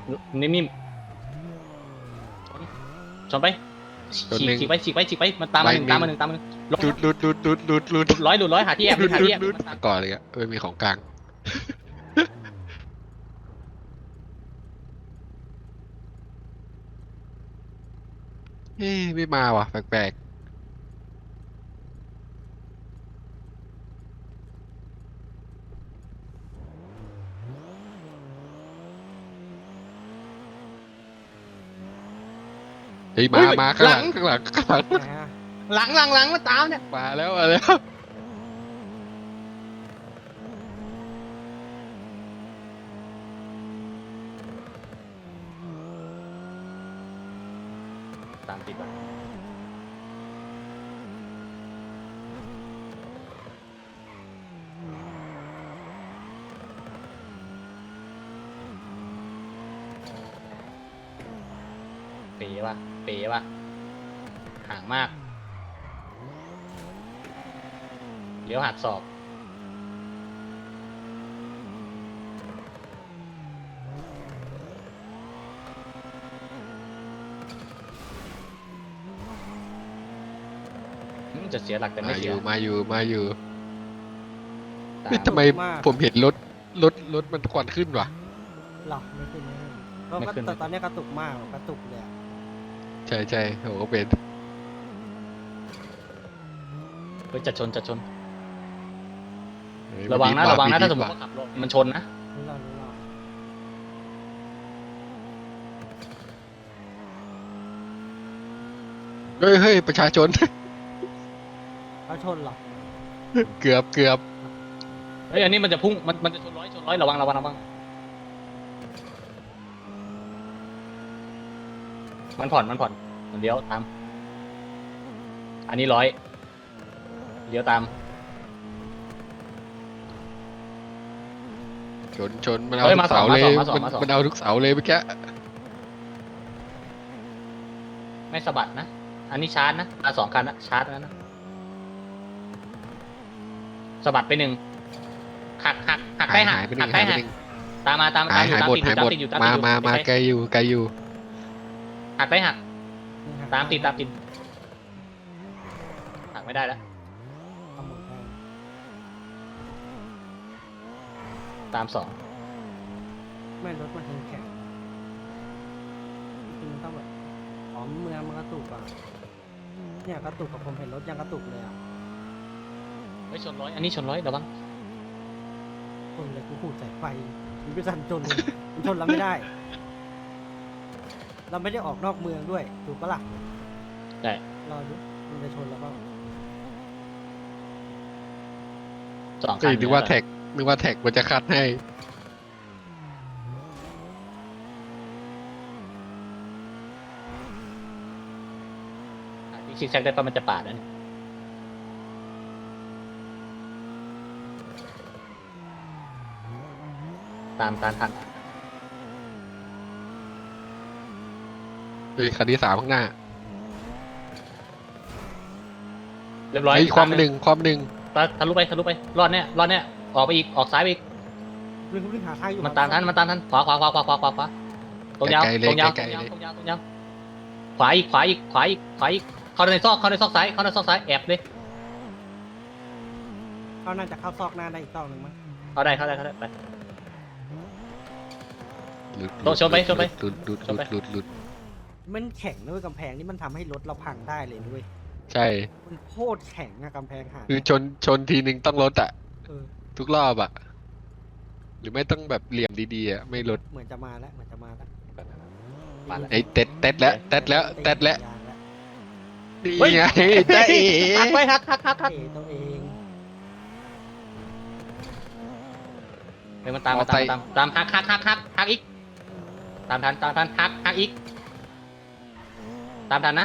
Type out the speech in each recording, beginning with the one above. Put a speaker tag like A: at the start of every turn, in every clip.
A: นิ่มๆชนไปฉีกไปมันตามมาหนึ่งตามมาหนึ่งลง
B: หลุด
A: หลุดร้อยหาที่แอบหาที่แอบมันตาม
B: ก่อนเลยอะไม่มีของกลางเฮ้ยไม่มาว่ะแปลกๆเฮ้ยมาข้างหลัง
C: ไหนอะ
A: หลังมันตามเนี่ย
B: มาแล้ว
A: ตามติดว่ะเป๋ว่ะห่างมากเลี้ยวหักศอกจะเสียหลักแต่ไม่
B: มาอ
A: เสีย
B: ยู่มาอยู่
A: ตา
B: เฮ้ยทำไมผมเห็นรถมันควันขึ้นวะ
C: หรอไม่ขึ้นเพราะว่าแต่ตอนนี้กระตุกมากกระตุกเลยอะ
B: ใช่โหก็เป็น
A: เฮ้ยจะชน
B: เฮ้ย
A: ระวังนะ
B: มันดี
A: ถ้าสมม
B: ว่
A: ติว่าขับรถมันชนนะ
C: รู้เรา
B: เฮ้ยประชาชน
C: เขาชนเหรอ
B: เกือบ
A: เฮ้ยอันนี้มันจะพุ่งมันจะชนร้อยระวังมันผ่อนมันเลี้ยวตามอันนี้100เลี้ยวตาม
B: ชนมันเอา
A: เฮ้ย
B: ทุกเสาเลย
A: มาสอง
B: มันเอาทุกเสาเลยเมื่อกี้
A: ไม่สะบัดนะอันนี้ชาร์จนะมา2 คันนะชาร์จนะสะบัดไปหักได้หัก
B: หายไปห
A: หั
B: นึ่
A: ก
B: ง
A: ได้
B: หายไป
A: หัก
B: หนึ่ง
A: ตามมาตาม
B: หายหมด
A: อยู่ตาม
B: มาไกลอยู่
A: หักได้หัก
C: นี่ห
A: ตามติดหักไม่ได้แล้ว
C: เอาหมดได้
A: ตาม2
C: ไม่รถมันแข็งจริงๆมันต้องแบบอ๋อเมืองมันกระตุกอ่ะเนี่ยกระตุกกับผมเห็นรถยังกระตุกเลยอ่ะ
A: เฮ้ยชนร้อยอันนี้ชนร้อยระวัง
C: ชนเลยกูหูสายไฟมันไม่ทันชนเลยมันชนเราไม่ได้ เราไม่ได้ออกนอกเมืองด้วยถูกปะล่ะ
A: ได้
C: รอดูมันจะชนเราเปล่า
A: 2 คั
B: เฮ้
A: น
B: ยนึกว่าแท็กมันจะคัดให้
A: ซิกแซกได้ปะมันจะปาดแล้วเนี่ยตามทัน
B: เฮ้ยคันที่3ข้างหน้า
A: เรียบร้อย
B: ไอ้ความหนึ่ง
A: ทะลุไปรอดเนี่ยออกไปอีกออกซ้ายไปอีก
C: วิ่งหาทางอยู่
A: มันตามทันขวาตรงยาวขวาอีกเข้าในซอกซ้ายแอบเลย
C: เขาน่าจะเข้าซอกหน้าได้อีกซอกหนึ่งมั้ง
A: เข้าได้ไป
B: หลุด
A: โต๊ะชนไป
B: หลุด
C: มันแข็งนะเว้ยกำแพงนี่มันทำให้รถเราพังได้เลยด้วย
B: ใช่
C: มันโคตรแข็งอะกำแพงหาด
B: คือชนทีนึงต้องลดอ่ะ
C: เออ
B: ทุกรอบอ่ะ หรือไม่ต้องแบบเหลี่ยมดีๆอ่ะไม่ลด
C: เหมือนจะมาแล้ว
A: มาแล้ว
B: ไอ้เต็ดแล้วนี่
A: เฮ้ย
B: ไงได้เอ๋
A: หักไปหัก
C: เอตัวเอง
A: เฮ้ยมันตามหักอีกตามทันหักอีกตามทันนะ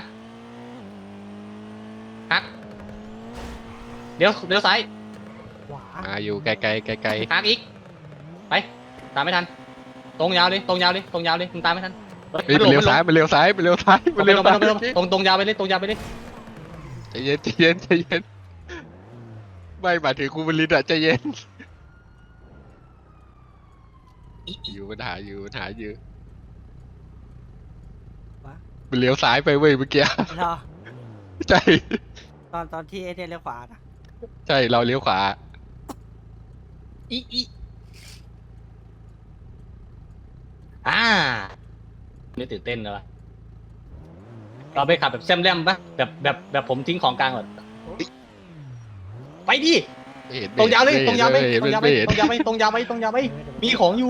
A: หักเดี๋ยวซ้าย
C: ขวา
B: มาอยู่ไกล
A: หักอีกไปตามไม่ทันตรงยาวเลยมึงตามไม่ทัน
B: เฮ้ยมันเลี้ยวซ้าย
A: ตรงยาวไปเลย
B: ใจเย็นไม่หมายถึงกูบริษัทอะใจเย็นอยู่ปัญหาอยู่มันเลี้ยวซ้ายไปเว้ยเมื่อกี้
C: เหรอ
B: ใช่
C: ตอนที่ไอเทนเลี้ยวขวานะ
B: ใช่เราเลี้ยวขวา
A: อีอ่านี่ตื่นเต้นเลยวะเราไปขับแบบแซมแรมปะแบบผมทิ้งของกลางก่อนไปดิ
B: ไม่เห็น
A: ตรงยาวเลย
B: ไม่
A: ตรงยาวไป
B: เห็น
A: ตรงยาวไป
B: ไม่เห็น
A: ตรงยาวไปตรงยาวไปตรงยาวไปมีของอยู่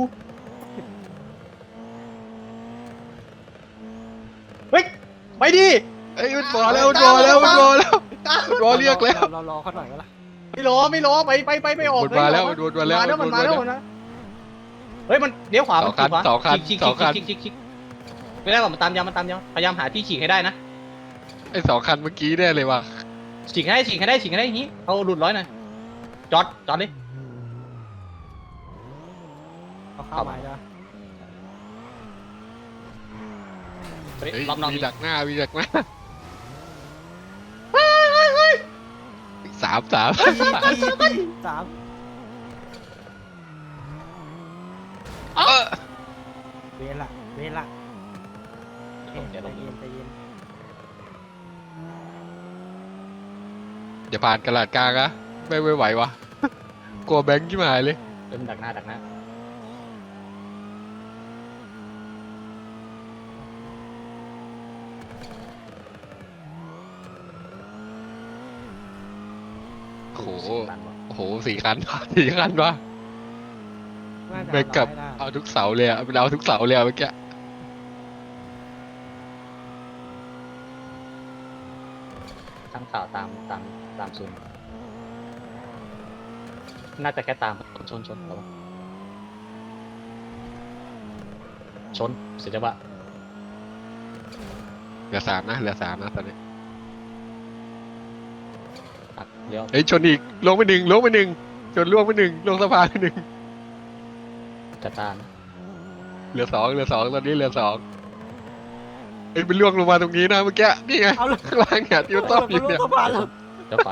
A: เฮ้ยไปดิ
B: เอ้ยมันรอแล้วมันรอแล้วมันรอแล้วมันรอเรียกแล้ว
C: เรารอเขาหน่อยก็ละ
A: ไม่รอไปออก
B: มันมาแล้วมันมาแล้ว
A: มันมาแล้วนะเฮ้ยมันเลี้ยวขวา
B: สองคันสองคัน
A: ฉีก
B: สองคัน
A: ฉีกไม่ได้หรอกมันตามยาวพยายามหาที่ฉีกให้ได้นะ
B: ไอ้2 คันเมื่อกี้แน่เลยว่ะ
A: ฉีกให้ได้อย่างนี้เอาหลุดร้อยหน่อยจอดดิ
C: เขาเข้ามาจ้ะ
A: เฮ้ย
B: เฮ้ย
A: รอบนอก
B: มี
A: นี่
B: ดักหน้าสาม
C: สาม
B: เออ
C: เวละ
A: เดี๋ยว
C: ใจ
A: ลง
C: เย็นใจเย็น
B: อย่าผ่านกระดาษกลางนะไม่ไหววะกลัวแบงค์ที่หายเลย
A: เริ่มดักหน้า
B: โอ้โห
A: ตันวะ
B: โอ้โห4 คัน4 คันวะ
C: น่าจะ
B: แบงค์กับ
C: ร้อยได้
B: เอาทุกเสาเลยอะมันเอาทุกเสาเลยอะเมื่อกี้
A: ข้างข่าวตามซูมน่าจะแค่ตามชนระวังชนเสียจังหวะ
B: เหลือ3 นะตอนนี้
A: ตัดเลี้ยว
B: เฮ้ยชนอีกลงไปหนึ่งชนล่วงไป1ลงสะพานไป1
A: จัดตาม
B: เหลือ 2ตอนนี้เหลือ 2เฮ้ยมันล่วงลงมาตรงนี้นะเมื่อกี้นี่ไง
C: เอาเลย
B: ข้างล่างเนี่ยที่มันต้อมอยู่เนี่ย
C: สะพานแล้ว
A: เดี๋ยวไฟ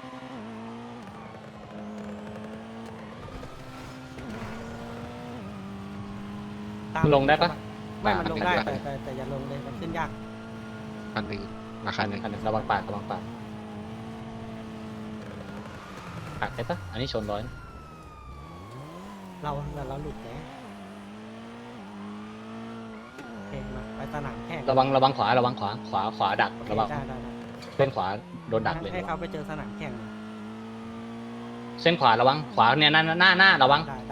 C: ตาม
A: ลงได้ปะ
C: ไม่มันลงได้แต่อย่าลงเลยมันขึ้นยาก
B: คันหนึ่งมาคันหนึ่ง
A: อันหนึ่งระวังปากหักได้ปะอันนี้ชนร้อย
C: เราหลุดแล้วโอเคมาไปสนามแข่ง
A: ระวังขวาขวาดักระวัง
C: ได้
A: เส้นขวาโดนดักเลย
C: ให้เขาไปเจอสนามแข่ง
A: เส้นขวาระวังขวาเนี่ยหน้าระวัง
C: ได้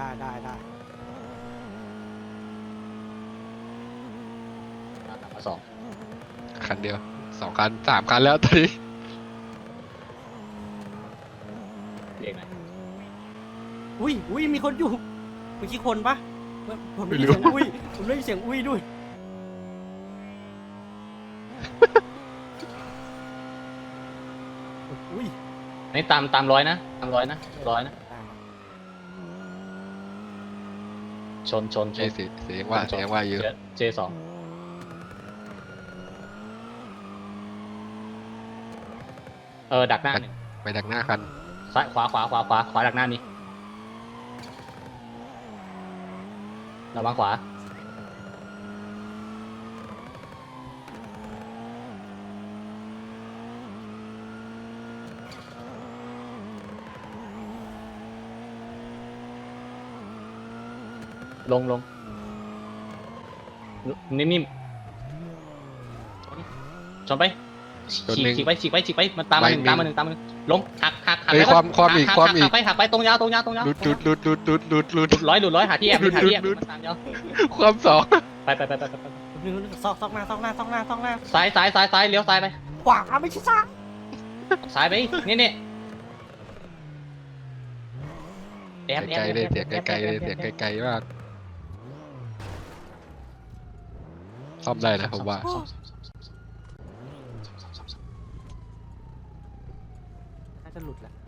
A: มาสอง
B: คันเดียว2 คัน3 คันแล้วตอนนี้
A: เรียกหน่อย
C: อุ้ยมีคนอยู่เมื่อกี้คนปะผมได้ยินเสียงอุ้ยผมได้ยินเสียงอุ้ยด้วยอุ้ย
A: อันนี้ตามร้อยนะชน
B: เสียงว่าเยอะ
A: เจสองดักหน้าหนึ่ง
B: ไปดักหน้าคัน
A: ซ้ายขวาดักหน้านี้ระวังขวาลงนิ่มๆชนไปฉีกไปมันตามมาหนึ่งลงหัก
B: เฮ้ยความอีก
A: หักไปตรงยาว
B: หลุด
A: ร้อยหาที่แอบมันตามยาว
B: ความ2
A: ไป
C: ซอกหน้า
A: ซ้ายเลี้ยวซ้ายไป
C: ขวาไม่ใช่ซ้าย
A: ซ้ายไปนี่แอบ
B: ไกลๆเลยเสียงไกลๆเลยเสียงไกลๆมากซ่อมได้นะผมว่า
C: น่าจะหลุดแหละ